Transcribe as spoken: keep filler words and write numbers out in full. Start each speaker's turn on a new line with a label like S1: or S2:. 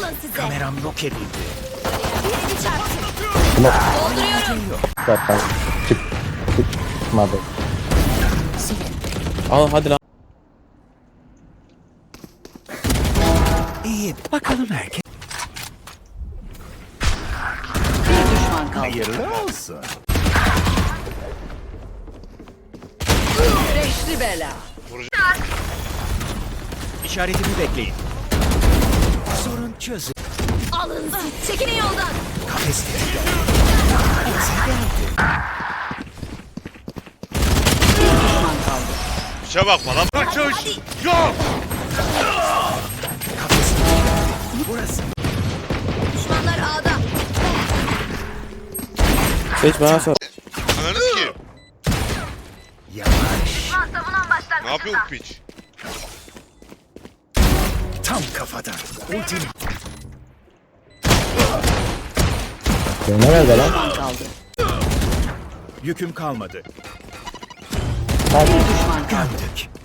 S1: Alın size.
S2: Kameram yok edildi.
S1: Birini çarptı.
S3: Dolduruyorum. Zaten çık. Çıkmadı.
S4: Al hadi lan.
S2: İyi. Bakalım herkes.
S5: Bir düşman kaldı.
S2: Hayırlı olsun.
S5: Beşli bela.
S2: İşaretimi bekleyin. Sorun çözün.
S1: Alın siz. Çekilin yoldan.
S2: Kafes tetikte. Bize geldi.
S5: Bir düşman kaldı.
S6: Şuna bakma lan.
S1: Hadi, hadi.
S6: Yok.
S2: Kafes tetikte. Burası.
S1: Düşmanlar A'da.
S4: Seç bana sor.
S6: Ananı ki.
S2: Yavaş.
S6: Ne yapıyor bu piç?
S2: Tam kafadan. Ultim.
S3: Ne nerede lan?
S5: Düşman kaldı.
S2: Yüküm kalmadı.
S5: Bir düşman kaldı.
S2: Gömdük.